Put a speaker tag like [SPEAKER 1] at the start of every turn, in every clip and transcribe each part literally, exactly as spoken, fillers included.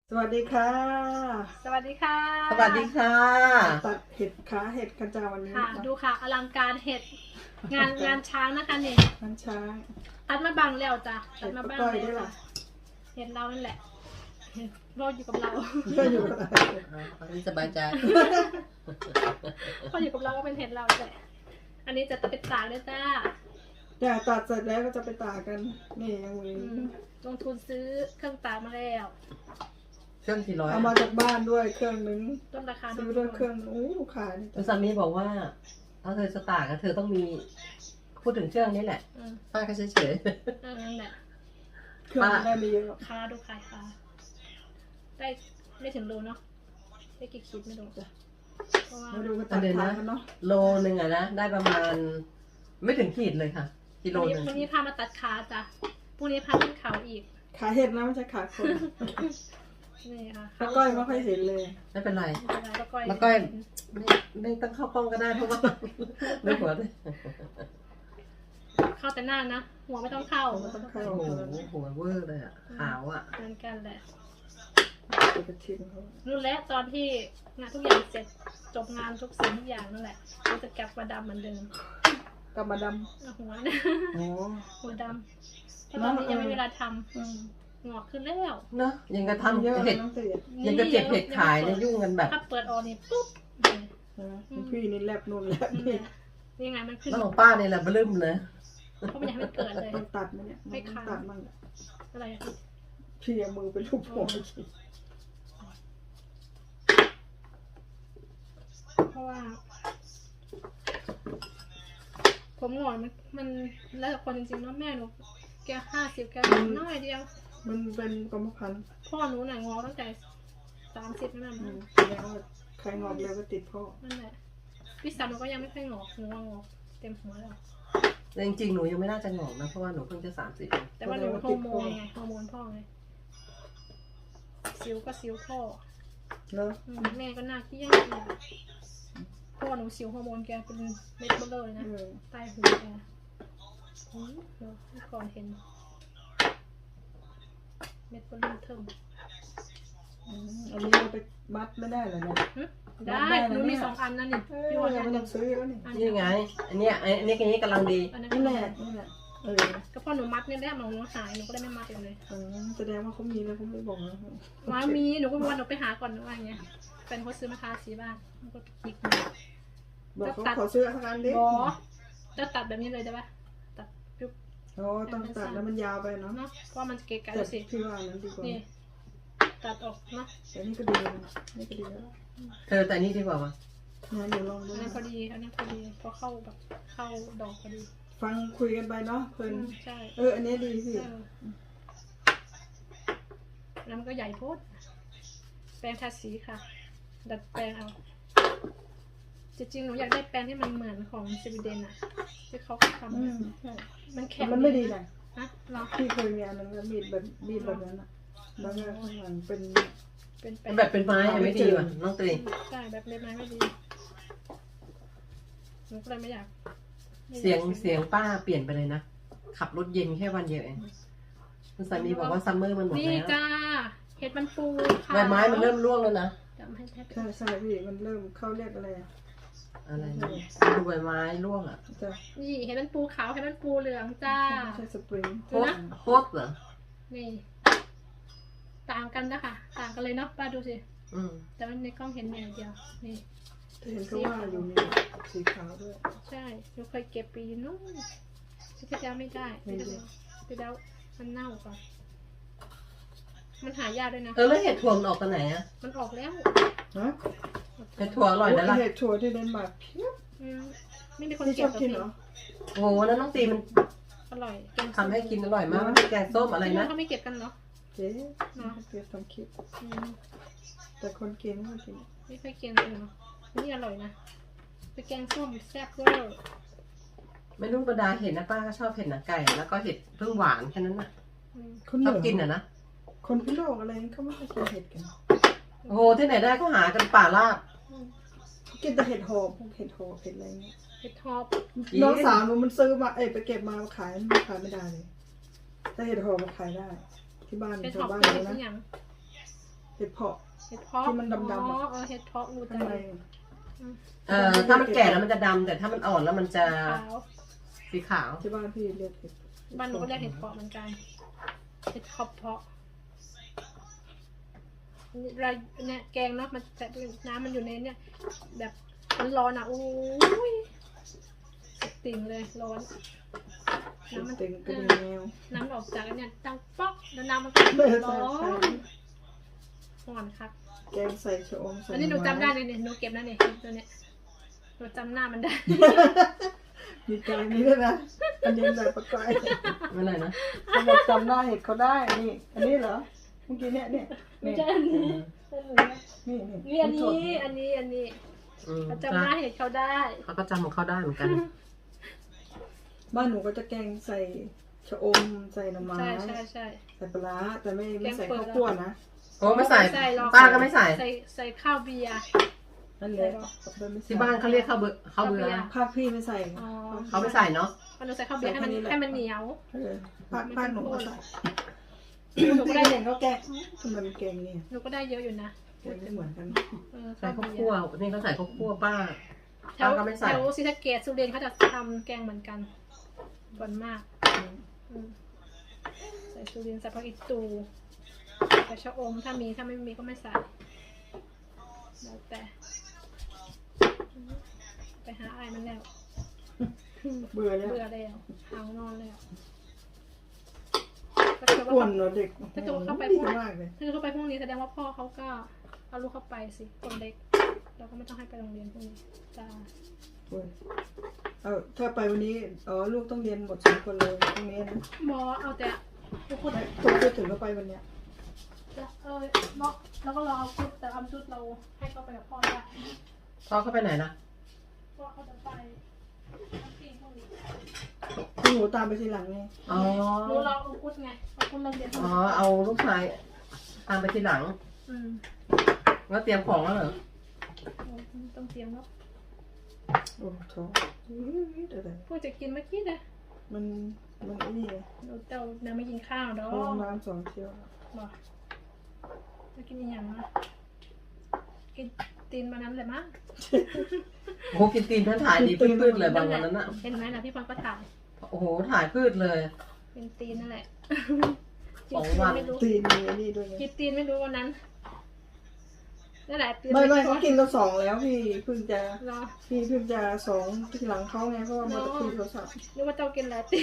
[SPEAKER 1] สวัสดีค่ะ
[SPEAKER 2] สวัสดีค่ะ
[SPEAKER 3] สวัสดีค่ะ
[SPEAKER 1] ตัดเห็ดขาเห็ดกระจาวันนี้
[SPEAKER 2] ค่ะ
[SPEAKER 1] นะคะ
[SPEAKER 2] ดูค่ะอลังการเห็ดงานงานช้างนะคะนี่
[SPEAKER 1] น้ำช้าง
[SPEAKER 2] ตัดมาบังแล้วจ้ะตัดมาบัง
[SPEAKER 1] เห็ดป้าก้อยได้
[SPEAKER 2] แล้ว
[SPEAKER 1] ล่ะ
[SPEAKER 2] เห็ดเรานั่นแหละเห็ดเราอยู่กับเรา
[SPEAKER 1] ก็อยู่กับอะไร
[SPEAKER 3] อันนี้สบายใจ
[SPEAKER 2] พออยู่กับเราก็เป็นเห็ดเราแหละอันนี้จะตัดเป็นตากเลยจ้า
[SPEAKER 1] อย่าตัดเสร็จแล้วก็จะไปตากกันนี่ยังมี
[SPEAKER 2] อืมลงทุนซื้อเครื่องตากมาแล้ว
[SPEAKER 3] เครื่องกี่ร้อย
[SPEAKER 1] เอามาจากบ้านด้วยเครื่องนึง
[SPEAKER 2] ต้นราคา
[SPEAKER 1] ซื้อด้วยเครื่องนึงโอ้ลูกค้านี่
[SPEAKER 3] คุณสามีบอกว่าเอาเธอสตาร์กเธอต้องมีพูดถึงเครื่องนี้แหละ
[SPEAKER 2] อืม
[SPEAKER 3] ป้าก็เฉย
[SPEAKER 2] เออนั่นแหละ
[SPEAKER 1] เครื่องได้ไม่เยอะหรอก
[SPEAKER 2] ค่าดูขายค่ะได้ไม่ถึงโลเนาะได้กี่ขีดไม่รู้จ้ะเพราะว่า
[SPEAKER 1] มาดูกันตัดขากันเนาะ
[SPEAKER 3] ๆโลหนึ่งอะนะได้ประมาณ ไม่ถึงขีดเลยค่ะกิโล
[SPEAKER 2] พรุ่ง
[SPEAKER 3] ห
[SPEAKER 2] นี้
[SPEAKER 3] นึ่ง
[SPEAKER 2] พรุ่งนี้พามาตัดขาจ้ะพรุ่งนี้พาขึ้นเขาอีก
[SPEAKER 1] ขาเห็ดนะไม่ใช่ขาคน
[SPEAKER 2] นี่ค่ะ
[SPEAKER 1] ป้าก้อยไม่ค่อยเห็นเลย
[SPEAKER 3] ไม่เป็นไร
[SPEAKER 2] แล้วก้อย
[SPEAKER 3] แล้วก็ไม่ไม่ต้องเข้ากล้องก็ได้เพราะว่าไม่หัวเลย
[SPEAKER 2] เข้าแต่หน้านะ หัวไม่ต้องเข้า
[SPEAKER 1] ไม่ต้องเข้า
[SPEAKER 3] โอ้โหหัวเวอร์เลยอะขาวอะ
[SPEAKER 2] เหมือนกันแหละ
[SPEAKER 1] จะไปชิมเขา
[SPEAKER 2] รู้แล้วตอนที่งานทุกอย่างเสร็จจบงานทุกสิ่งทุกอย่างนั่นแหละก็จะกลับมาดำเหมือนเดิม
[SPEAKER 1] กลับมาด
[SPEAKER 2] เอาหัวนะ
[SPEAKER 1] ำโอ้
[SPEAKER 2] หัวดำเพราะตอนนี้ยังไม่มีเวลาท
[SPEAKER 1] อืม
[SPEAKER 2] ำงอกขึ้นแล้ว
[SPEAKER 3] เนอะยังกระ
[SPEAKER 1] ทำเยอะ
[SPEAKER 3] ทำเห็ด
[SPEAKER 1] น้องเสีย
[SPEAKER 3] ยังกระเจ็บเห็ดขายเนี่ยยุ่งกันแบบ
[SPEAKER 2] ถ้าเปิดออกนี่ปุ๊บ
[SPEAKER 1] ใช่ไหมพี่นี่แลบนู่นแลบ
[SPEAKER 2] นี่
[SPEAKER 1] นี่
[SPEAKER 2] นี่ยังไงมันขึ้น
[SPEAKER 3] แล้วของป้าเนี่ยแหละบลืมเลย
[SPEAKER 2] เพราะมันยังไม่เกิดเลย
[SPEAKER 1] ต้องตัดไหมเนี่ยมัน
[SPEAKER 2] ไม่
[SPEAKER 1] ต้อง
[SPEAKER 2] ขาด
[SPEAKER 1] ตัดมั่ง
[SPEAKER 2] อะไรอะพี่
[SPEAKER 1] พี่เอามือเป็นรูปหัว
[SPEAKER 2] เพราะว่า ผมหงอนมันมันแล้วแต่คนจริงๆเนาะแม่หนูแกห้าสิบแกน้อยเดียว
[SPEAKER 1] มันเป็นกรรมพันธุ์
[SPEAKER 2] พ่อหนูหน่ะงอตั้งแต่สามสิบนั่น
[SPEAKER 1] อื
[SPEAKER 2] น่ะ
[SPEAKER 1] มแล้วาใครงอกเร็วก็ติดพ่อ
[SPEAKER 2] นั่นแหละพี่สาวหนูก็ยังไม่ค่อยงอกหนูว่างอกเต็มหัวแล้ว
[SPEAKER 3] แต่จริงๆ หนูยังไม่น่าจะงอกนะ เพราะว่าหนูเพิ่งจะสามสิบ
[SPEAKER 2] แต่ว่าหนูฮอร์โมนไงฮอร์โมนพ่อไงสิวก็สิวพ่อ
[SPEAKER 1] แล้ว
[SPEAKER 2] อืมแม่ก็น่าเกลี้ยงเลยพ่อหนูสิวฮอร์โมนแกเป็นเม็ดเบลอเลยนะ
[SPEAKER 1] เออ
[SPEAKER 2] ใต้หูแกอืมเดี๋ยวเมื่อก่อนเห็น เม็ดเบลอเทิม
[SPEAKER 1] อืมอันนี้เราไปมัดไม่ได้เหรอเนี่ย
[SPEAKER 2] หึได้หนูมีสองอันนั่นนี่
[SPEAKER 1] เอ
[SPEAKER 2] พี่
[SPEAKER 1] อ
[SPEAKER 2] ว่า
[SPEAKER 1] เรา
[SPEAKER 2] อัน
[SPEAKER 1] ไม่
[SPEAKER 2] ห
[SPEAKER 1] ต้
[SPEAKER 2] นึ่
[SPEAKER 1] อง งซื้อแล้วนี่
[SPEAKER 2] อัน
[SPEAKER 3] นี่ไง อันเนี้ยอันนี้อันนี้กำลังดี
[SPEAKER 2] อันนั้น
[SPEAKER 1] นี่แหละนี่แหละเออ
[SPEAKER 2] ก็พอหนูมัดเนี่ยแรกหนูหายหนูก็ได้ไม่มัดเลย
[SPEAKER 1] เออแสดงว่าเขามีแล้วเขาไม่บอกนะ
[SPEAKER 2] ว่ามีหนูก็ว่าหนูไปหาก่อนหนูว่าอย่างเงี้ยแฟนเขาซื้อมาทาสีบ้านหนูก็คลิกมา
[SPEAKER 1] บอกเขาขอซื้อสักอันดิ
[SPEAKER 2] บอจะตัดแบบนี้เลยได้ปะตัดปุ๊บ
[SPEAKER 1] โอ้ต้องตัดแล้วมันยาวไปเนาะ
[SPEAKER 2] เนาะเพราะมันจะเกะกะ
[SPEAKER 1] แต่
[SPEAKER 2] สิ
[SPEAKER 1] พี่ว่าอันนั้นดีกว่า
[SPEAKER 2] นี่ตัดออกเนาะ
[SPEAKER 1] แต่นี่ก็ดีนะนี่ก็ดีแล้ว
[SPEAKER 3] เธอแต่นี่ดีกว่าวะ
[SPEAKER 1] งั้นเดี๋ยวลองดู
[SPEAKER 2] อันนั้นพอดีอันนั้นพอดีพอเข้าแบบเข้าดอกพอดี
[SPEAKER 1] ฟังคุยกันไปเนาะเพลิน
[SPEAKER 2] อืมใช่
[SPEAKER 1] เอออันนี้ดีสิ
[SPEAKER 2] เออแล้วมันก็ใหญ่โพดแปรงทาสีค่ะ ดัดแปลงเอาจริงๆหนูอยากได้แปรงที่มันเหมือนของสวีเดนอะที่เขาทำ
[SPEAKER 1] อื
[SPEAKER 2] อะ
[SPEAKER 1] มใช่
[SPEAKER 2] มัน
[SPEAKER 1] แต่
[SPEAKER 2] แข็ง
[SPEAKER 1] มันไม่ดีนะ
[SPEAKER 2] ฮะเหรอ
[SPEAKER 1] พี่เคยมีอันนั้นแล้วมีดแบบมีดแบบนั้นอะแล้วก็ข้างหลังเป็น
[SPEAKER 2] เป็นแป
[SPEAKER 3] แบบเป็นไม้อะไม่ดีว่ะน้องตรี
[SPEAKER 2] ใช่แบบเล็บไม้ไม่ดีหนูก็เลยไม่อยากไม่อาก
[SPEAKER 3] เสียงเสียงป้าเปลี่ยนไปเลยนะ ขับรถเย็นแค่วันเดียวเองคุณสามีบอกว่าซัมเมอร์มันหมด
[SPEAKER 2] นี่
[SPEAKER 3] แล้ว
[SPEAKER 2] จ้าเห็ดมันฟูค่ะ
[SPEAKER 3] ใบไม้มันเริ่มร่วงแล้วนะ
[SPEAKER 2] จำให้แทบ
[SPEAKER 1] ใช่ใช่พี่มันเริ่มเข้าเรียกอะไรอะ
[SPEAKER 3] อะไรนะดูใบไม้ร่วงอ่ะ
[SPEAKER 1] จะ
[SPEAKER 2] นี่เห็ดมันปูขาวเห็ดมันปูเหลืองจ้า
[SPEAKER 1] ไม่ใช่สปริง
[SPEAKER 3] โคตรโคตรเหรอ
[SPEAKER 2] นี่ ต่างกันนะคะต่างกันเลยเนาะป้าดูสิ
[SPEAKER 3] อืม
[SPEAKER 2] แต่มันในกล้องเห็นอย่างเดียวนี่
[SPEAKER 1] เห็นเขาว่าอยู่มีสีขาวด้วย
[SPEAKER 2] ใช่หนูเคยเก็บปีนู้นที่ที่แล้วไม่ได้
[SPEAKER 1] ไม่
[SPEAKER 2] ที่
[SPEAKER 1] ได้
[SPEAKER 2] แล้วที่แล้วมันเน่าก่อนมันหายากด้วยนะ
[SPEAKER 3] เออแล้วเห็ดถั่วมันออกกันไหนอ่ะ
[SPEAKER 2] มันออกแล้ว
[SPEAKER 1] ฮะ
[SPEAKER 3] เห็ดถั่วอร่อยนะล่ะ
[SPEAKER 1] เห็ดถั่วที่เดนมาร์กเพียบ
[SPEAKER 2] อืมไม่มีคน
[SPEAKER 1] ที่ช
[SPEAKER 2] เก็
[SPEAKER 1] อ
[SPEAKER 2] บบ กับ
[SPEAKER 1] กิน
[SPEAKER 2] พี่
[SPEAKER 1] เหรอ
[SPEAKER 3] โอ้โหแล้วน้องตีมัน
[SPEAKER 2] อร่อยแกง
[SPEAKER 3] ทำให้กินอร่อยมากมันเป็นแกงส้มอะไร
[SPEAKER 2] ที่นู่
[SPEAKER 3] นะ
[SPEAKER 2] นเขาไม่เก็บกันเหรอ
[SPEAKER 1] เจ๊
[SPEAKER 2] เนาะ
[SPEAKER 1] เจ๊ทำคลิป
[SPEAKER 2] อืม
[SPEAKER 1] แต่คนกินไม่กิน
[SPEAKER 2] ไม่ค่อยเก็บเลยเนาะนี่อร่อยนะเป็นแกงส้มแซ่บเวอร์
[SPEAKER 3] ไม่รู้บรรดาเห็ดนะป้าก็ชอบเห็ดหนังไก่ แล้วก็เห็ดเพิ่งหวานแค่นั้นน่ะ
[SPEAKER 2] อืม
[SPEAKER 1] คนเห
[SPEAKER 3] ช
[SPEAKER 1] นื
[SPEAKER 3] อบ
[SPEAKER 1] อ
[SPEAKER 3] กินอ่ะนะ
[SPEAKER 1] คนพิโลกอะไรเขาไม่ค่อยกินเห็ดกัน
[SPEAKER 3] โอ้โหที่ไหนได้ก็หากันป่าราบ
[SPEAKER 2] อืม
[SPEAKER 1] เขากินแต่เห็ดหอบพวกเห็ดหอบเห็ดอะไรเงี้ย
[SPEAKER 2] เห็ดทอบ
[SPEAKER 1] น้องสาวหนูมันซื้อมาเอ้ยไปเก็บมาขายมันขายไม่ได้เลยแต่เห็ดหอบมันขายได้ ที่บ้าน
[SPEAKER 2] เห็ดท
[SPEAKER 1] ชา
[SPEAKER 2] อ
[SPEAKER 1] ว
[SPEAKER 2] บ
[SPEAKER 1] บ้าน
[SPEAKER 2] เป็น
[SPEAKER 1] หนู
[SPEAKER 2] เห็ด
[SPEAKER 1] นะ
[SPEAKER 2] อย่าง
[SPEAKER 1] เห็ดเพาะ
[SPEAKER 2] เห็ดเพาะ
[SPEAKER 1] ที่มันดำๆอะ
[SPEAKER 2] อ๋อเออเห็ดเพาะรู้จั
[SPEAKER 1] ข้าง
[SPEAKER 2] ก
[SPEAKER 1] ใน
[SPEAKER 3] เอ่อถ้ามันแก่แล้วมันจะดำแต่ถ้ามันอ่อนแล้วมันจะ
[SPEAKER 2] ขาว
[SPEAKER 3] สีขาว
[SPEAKER 1] ที่บ้านพี่เรียกเห็ด
[SPEAKER 2] บ้านหนูก็เรียกเห็ดเพาะเหมือนกัน เห็ดขอบเพาะเราเนี่ยแกงเนาะมันแต่น้ำมันอยู่ในเนี่ยแบบมันร้อนอ่ะโอ้ยสุดติ่งเลยร้อน
[SPEAKER 1] เห็ด
[SPEAKER 2] น้ำมัน
[SPEAKER 1] เต็งกระดิ่งแมว
[SPEAKER 2] น้ำออกจากอันเนี่ยดังป๊อกแล้วน้ำมันก็ร้อนร้อนครับ
[SPEAKER 1] แกงใส่ชะอมใส่
[SPEAKER 2] อันนี้หนู
[SPEAKER 1] ไม้
[SPEAKER 2] จำได้เลยเนี่ยหนูเก็บนะเนี่ยตัวเนี้ยหนูจำหน้ามันได้
[SPEAKER 1] มีแกงนี้ด้วยนะอันนี้แบบประกาย
[SPEAKER 3] ไม่เลยนะ
[SPEAKER 1] เขาบอกจำหน้าเห็ดเขาได้นี่อันนี้เหรอเมื่อกี้เนี่ยเนี่ย
[SPEAKER 2] ไม่
[SPEAKER 1] นี่
[SPEAKER 2] ใช่อันนี้
[SPEAKER 1] นี่
[SPEAKER 2] นี่อันนี้อันนี้อันนี้
[SPEAKER 3] อืม
[SPEAKER 2] เขาจำหน้าเห็ดเขาได้
[SPEAKER 3] เขาก็จำของเขาได้เหมือนกัน
[SPEAKER 1] บ้านหนูก็จะแกงใส่ชะอมใส่หน่อไม้
[SPEAKER 2] ใช่ใช่ใช่
[SPEAKER 1] ใส่ปลาร้าแต่ไม่ไม่ใส่
[SPEAKER 2] แกงเปิด
[SPEAKER 1] ข้าวคั่วนะ
[SPEAKER 3] โอ้ไม่ใส่
[SPEAKER 2] หรอก
[SPEAKER 3] ป้าก็ไม่ใส่
[SPEAKER 2] ใส่ใส่ข้าวเบียร์
[SPEAKER 1] นั่นแหละไม่
[SPEAKER 3] ที่บ้านเขาเรียกข้าวเบื่อข้าวเบื่อ
[SPEAKER 1] ภาคพี่ไม่ใส่
[SPEAKER 2] อ๋อ
[SPEAKER 3] เขาไม่ใส่เนาะ
[SPEAKER 2] พอหนูใส่ข้าวเบียร์ให้มันให้มันเหนียว
[SPEAKER 1] เออภาคภาคหนูก็ใส่
[SPEAKER 2] หนูก็ได้
[SPEAKER 1] เห็นเขาแกงทำไมมันแกงเนี่ย
[SPEAKER 2] หนูก็ได้เยอะอยู่นะ
[SPEAKER 1] แกงไม่เหมือนกัน
[SPEAKER 2] เออ
[SPEAKER 3] ใส่
[SPEAKER 2] ข้าว
[SPEAKER 3] ข้าว
[SPEAKER 2] เบีย
[SPEAKER 3] คั่ว
[SPEAKER 2] ร์
[SPEAKER 3] นี่เขาใส่ข้าวคั่วป้า
[SPEAKER 2] แถว
[SPEAKER 3] ป้าก็ไม่ใส่
[SPEAKER 2] แถวศรีสะเกษสุรินทร์เขาจะทำแกงเหมือนกันส่วนมากอืมใส่สุรินทร์ใส่ผักอีตูใส่ชะอมถ้ามีถ้าไม่มีก็ไม่ใส่แล้วแต่ไปหาอายมันแล้ว
[SPEAKER 1] เบื่อแล้ว
[SPEAKER 2] เบื่อแล้วเอานอนแล้ว
[SPEAKER 1] กวนเนาะเด็ก
[SPEAKER 2] ถ้าเกิดว่าเข้าไป
[SPEAKER 1] ดี
[SPEAKER 2] พวก
[SPEAKER 1] มากเลย
[SPEAKER 2] ถ้าเกิดเข้าไปพวกนี้แสดงว่าพ่อเขาก็เอาลูกเข้าไปสิคนเล็กเราก็ไม่ต้องให้ไปโรงเรียนพวกนี้จ้า
[SPEAKER 1] โอ้ยเอาถ้าไปวันนี้อ๋อลูกต้องเรียนหมดสองคนเลยตรงนี้นะ
[SPEAKER 2] หมอเอาแต่ทุกคน
[SPEAKER 1] ไม่ตัวจะถึงก็ไปวันเนี้ย
[SPEAKER 2] เออเนาะแล้วก็รอเอาชุดแต่เอาชุดเราให้เขาไปกับพ่อได้
[SPEAKER 3] พ่อเขาไปไหนนะ
[SPEAKER 2] พ่อเขาจะไปทั้งปีพวกนี้
[SPEAKER 1] พี่หนูตามไปทีหลังไง
[SPEAKER 3] อ๋อ
[SPEAKER 2] รู้เราเอาพุทไงเอาพุทเราเรียน
[SPEAKER 3] อ๋อเอาลูกชายตามไปทีหลัง
[SPEAKER 2] อืม
[SPEAKER 3] แล้วเตรียมของแล้วเหรอ
[SPEAKER 2] ต้องเตรียมแล้ว
[SPEAKER 1] โอ้โหเดี๋ยว
[SPEAKER 2] พวกจะกินเมื่อกี้นะ
[SPEAKER 1] มันมันไอ้นี่ไง
[SPEAKER 2] เราเจ้าน้ำไม่กินข้าวดอก
[SPEAKER 1] ห้องน้ำสองเที่ยว
[SPEAKER 2] บอกจะกินอีกอย่างนะกินตีนมานั้นเลยมั้ง
[SPEAKER 3] โอ้โหกินตีนท่านถ่ายดีพืดๆเลยบางวันนั้นอะ
[SPEAKER 2] เห็นไหมนะพี่พรก็ถ่าย
[SPEAKER 3] โอ้โหถ่ายพืดเลย
[SPEAKER 2] เป็นตีนนั่นแหละ
[SPEAKER 3] สองวัน
[SPEAKER 2] ไม่รู้
[SPEAKER 1] ตีนมีไอ้นี่ด้วยไง
[SPEAKER 2] กินตีนไม่รู้วันนั้นนั่นแหละตีน
[SPEAKER 1] ไม่ไม่เขากินเราสองแล้วพี่เพิ่งจะ
[SPEAKER 2] รอ
[SPEAKER 1] พี่เพิ่งจะสองทีหลังเขาไงเพราะว่ามาคุยโทรศัพท์
[SPEAKER 2] นึกว่าเจ้ากินหลายตีน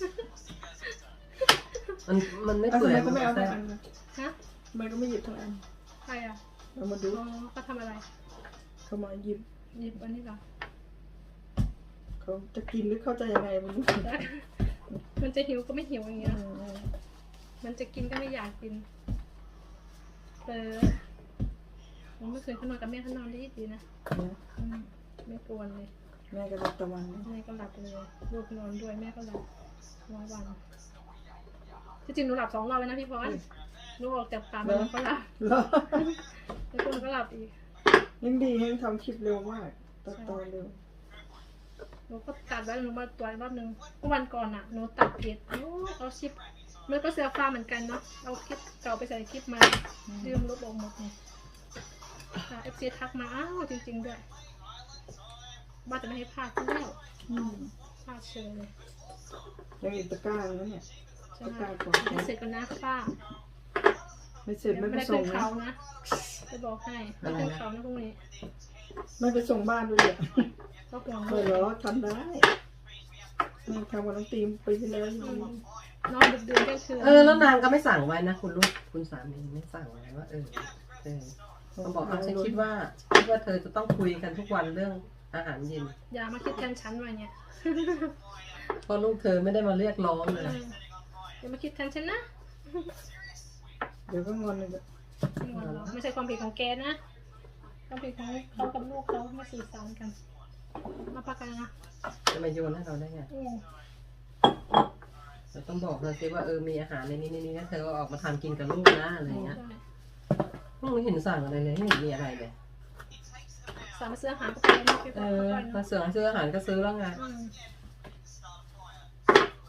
[SPEAKER 3] มันมันไม่
[SPEAKER 1] อ่ะ
[SPEAKER 3] เปื่
[SPEAKER 1] ทำ
[SPEAKER 3] อย
[SPEAKER 1] ไมก็ไม่เอา
[SPEAKER 3] แต่
[SPEAKER 1] ทั้งอันนะ
[SPEAKER 2] ฮะ
[SPEAKER 1] ทำไมก็ไม่หยิบทั้งอัน
[SPEAKER 2] ใครอ่ะ
[SPEAKER 1] เรามาดู
[SPEAKER 2] อ๋อเขาทำอะไร
[SPEAKER 1] เขามาหยิบ
[SPEAKER 2] หยิบอันนี้เหรอ
[SPEAKER 1] เขาจะกินหรือเขาจะยังไงไม่รู้
[SPEAKER 2] มันจะหิวก็ไม่หิวอย่างเงี้ย
[SPEAKER 1] อืม
[SPEAKER 2] มันจะกินก็ไม่อยากกินเออผมไม่เคยเขานอนกับแม่เขานอนดีดีนะ
[SPEAKER 1] นะ
[SPEAKER 2] อืมไม่กวนเลย
[SPEAKER 1] แม่ก็รับตะวันนะ
[SPEAKER 2] แม่ก็หลับเลยลูกนอนด้วยแม่ก็หลับนอนวันที่จริงหนูหลับสองรอบเลยนะพี่พรหนูออกจากป่ามาหนูก็หลับ
[SPEAKER 1] แล้ว
[SPEAKER 2] แล้วก็หนูก็หลับอีก
[SPEAKER 1] ยังดียังทำคลิปเร็วมากตัดตอนเร็ว
[SPEAKER 2] หนูก็ตัดไว้หนูมาตัวจรอบนึงเมื่อวันก่อนอ่ะหนูตัดผิดโอ้เอาคลิปมันก็เสียฟ้าเหมือนกันเนาะเอาคลิปเก่าไปใส่คลิปมาลืมลบออกหมดเนี่ยเอฟซีทักมาอ้าวจริงๆด้วยว่าจะไม่ให้พลาดที่แล้ว
[SPEAKER 1] อืม
[SPEAKER 2] พลาดเชยเลย
[SPEAKER 1] ยังอีกตะกร้าแล้วเนี่ย
[SPEAKER 2] ใช่
[SPEAKER 1] ตะ
[SPEAKER 2] ไหม
[SPEAKER 1] กร้าก่อน
[SPEAKER 2] ไม่เสร็จก็นะป้า
[SPEAKER 1] ไม่เสร็จ
[SPEAKER 2] เดี๋ยว
[SPEAKER 1] ไม่
[SPEAKER 2] ไม่
[SPEAKER 1] ไป
[SPEAKER 2] ได้
[SPEAKER 1] ส่
[SPEAKER 2] ขึ้
[SPEAKER 1] ง
[SPEAKER 2] น
[SPEAKER 1] นะ
[SPEAKER 2] เขานะจะบอกให้ไม่ขึ้นเขานะพรุ่งนี้
[SPEAKER 1] ไม่ไปส่งบ้านด้วยเนี่ย
[SPEAKER 2] ก็ห่วง
[SPEAKER 1] เออเหรอทำได้แม่ทำกับน้องตีมปีที่แล้วอยู่
[SPEAKER 2] นอนดึกดื่นก็คือ
[SPEAKER 3] เออแล้วนางก็ไม่สั่งไว้นะคุณลูกคุณสามีไม่สั่งไว้ว่าเออเออเขาบอกว่าฉันคิดว่าคิดว่าเธอจะต้องคุยกันทุกวันเรื่องอาหารเย็น
[SPEAKER 2] อย่ามาคิดแทนฉันว่ะเนี่ย
[SPEAKER 3] เพราะลูกเธอไม่ได้มาเรียกร้องเลย
[SPEAKER 2] เอออย่ามาคิดแทนฉันนะ
[SPEAKER 1] เดี๋ยวก็งอนเลย
[SPEAKER 2] ไม่งอนหรอกไม่ใช่ความผิดของแกนะความผิดของเขากับลูกเขาไม่สื่อสารกันมาปากกันนะ
[SPEAKER 3] จะมาโยนให้เราได้ไง
[SPEAKER 2] อืม
[SPEAKER 3] เราต้องบอกเธอสิว่าเออมีอาหารในนี้ในนี้นะเธอเอาออกมาทำกินกับลูกนะอะไรเงี้ย
[SPEAKER 2] ใช่
[SPEAKER 3] ไม่เห็นสั่งอะไรเลยไม่เห็นมีอะไรเลย
[SPEAKER 2] สามารถซื้ออาหารก็ไปไม่ไป
[SPEAKER 3] เอ
[SPEAKER 2] ก่อน
[SPEAKER 3] อ
[SPEAKER 2] ก็ไป
[SPEAKER 3] มา
[SPEAKER 2] เนาะ
[SPEAKER 3] เสือซื้ออาหารก็ซื้อแล้วไง
[SPEAKER 2] อืมจะเอา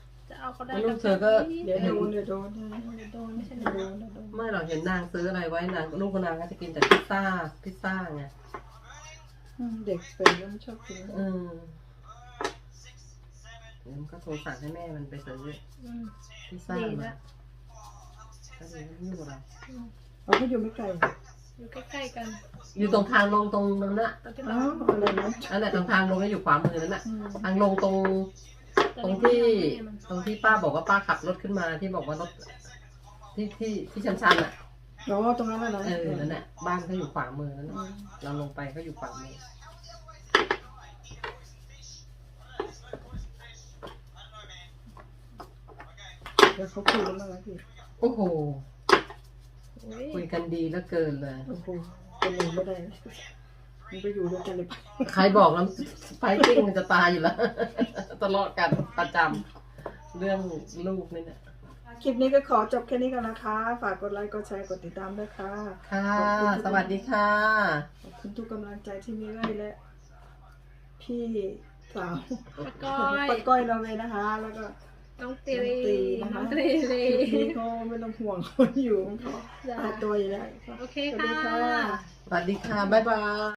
[SPEAKER 2] เอาเขาได้
[SPEAKER 3] ลูกเธอก็
[SPEAKER 1] เดี๋ยวโดนเดี๋ยวโดน
[SPEAKER 2] เดี๋ยวโดนไม่ใช่
[SPEAKER 1] เดี๋ยว
[SPEAKER 2] โด
[SPEAKER 1] โด
[SPEAKER 2] น
[SPEAKER 1] นเดี๋ยวโดน
[SPEAKER 3] ไม่เราเห็นนางซื้ออะไรไว้นางลูกนางก็จะกินแต่พิซซ่าพิซซ่าไง
[SPEAKER 1] อืมเด็กเป็นก็ไม่ชอบกิน
[SPEAKER 3] อืมเดี๋ยวมันก็โทรสั่งให้แม่มันไปซื้อ
[SPEAKER 2] อืม
[SPEAKER 3] พิซซ่า
[SPEAKER 2] ดี
[SPEAKER 3] มา
[SPEAKER 2] ละ
[SPEAKER 3] ก็เลยไม่อยู่กับเรา
[SPEAKER 2] อืม
[SPEAKER 1] เราก็อยู่ไม่ไกล
[SPEAKER 2] อยู่ใกล้ๆกัน
[SPEAKER 3] อยู่ตรงทางลงตรงนั้นน่ะ
[SPEAKER 2] ตอนที่
[SPEAKER 1] อ๋
[SPEAKER 2] เรา
[SPEAKER 1] ออะไรนะ
[SPEAKER 3] อันนั้นตรงทางลงก็อยู่ขวามือนั่นน่ะ
[SPEAKER 1] อืม
[SPEAKER 3] ทางลงตรงตรงที่ตรงที่ป้าบอกว่าป้าขับรถขึ้นมาที่บอกว่ารถที่ที่ที่ชันชันๆอ่ะ
[SPEAKER 1] อ๋อตรงนั้นน่ะนะ
[SPEAKER 3] เออนั่นแหละบ้านเขาอยู่ขวามือนั่น
[SPEAKER 1] อื
[SPEAKER 3] น่ะ
[SPEAKER 1] ม
[SPEAKER 3] เราลงไปเขาอยู่ขวามือ
[SPEAKER 1] เดี๋ยวเขาคุยกันบ้างไหมพี่
[SPEAKER 3] โอ้โห
[SPEAKER 2] โอ้ย
[SPEAKER 3] คุยกันดีเหลือเกินเลย
[SPEAKER 1] โอ้โหเป็นหนึ่งไม่ได้มันไปอยู่ด้วยกันเลยไป
[SPEAKER 3] ใครบอกแล้วไฟติ้งมันจะตายอยู่แล้ว ตลอดกันประจำเรื่องลูกนี่เนี่ย
[SPEAKER 1] คลิปนี้ก็ขอจบแค่นี้ก่อนนะคะ ฝากกดไลค์กดแชร์กดติดตามด้วยค่ะ
[SPEAKER 3] ค่ะ สวัสดีค่ะ
[SPEAKER 1] ขอบคุณทุกกำลังใจที่มีให้และ พี่สาว
[SPEAKER 2] ปะก้อย
[SPEAKER 1] ป้าก้อยเราเลยนะคะ แล้วก็
[SPEAKER 2] น้องตีรี
[SPEAKER 1] น้
[SPEAKER 2] น้
[SPEAKER 1] อ
[SPEAKER 2] อง ง
[SPEAKER 1] ตี
[SPEAKER 2] ตี
[SPEAKER 1] นะคะ
[SPEAKER 2] รี
[SPEAKER 1] คลิปนี้เขาไม่ต้องห่วงคนอยู่ของเขา
[SPEAKER 2] จ้ะ
[SPEAKER 1] ตายตัวอยู่แล้ว
[SPEAKER 2] โอเค
[SPEAKER 1] สวัสดี
[SPEAKER 2] ค่ะ
[SPEAKER 1] ค่ะ
[SPEAKER 3] สวัสดีค่ะ บ๊ายบาย